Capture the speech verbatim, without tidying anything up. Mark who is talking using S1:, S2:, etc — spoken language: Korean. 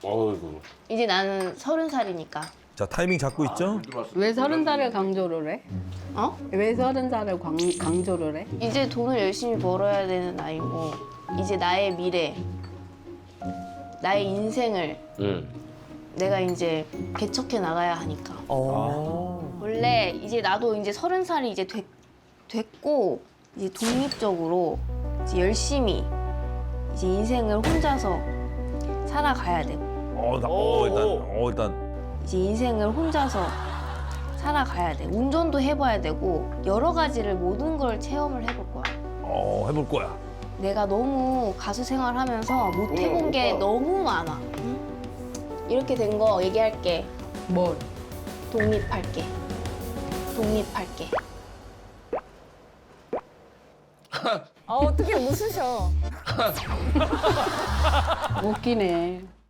S1: 어이구.
S2: 이제 나는 서른 살이니까.
S3: 자, 타이밍 잡고 있죠?
S4: 왜 서른 살을 강조를 해?
S2: 어?
S4: 왜 서른 살을 광, 강조를 해?
S2: 이제 돈을 열심히 벌어야 되는 나이고 이제 나의 미래, 나의 인생을
S1: 응.
S2: 내가 이제 개척해 나가야 하니까.
S5: 어.
S2: 원래 이제 나도 이제 서른 살이 이제 됐, 됐고 이제 독립적으로 이제 열심히 이제 인생을 혼자서 살아가야 되고
S3: 어, 나, 어, 일단, 어, 일단.
S2: 이제 인생을 혼자서 살아가야 돼. 운전도 해봐야 되고 여러 가지를 모든 걸 체험을 해볼 거야.
S3: 어, 해볼 거야.
S2: 내가 너무 가수 생활하면서 못 해본 게 너무 많아. 응? 이렇게 된 거 얘기할게.
S4: 뭘?
S2: 독립할게. 독립할게.
S5: 아 어떻게 웃으셔?
S4: 웃기네.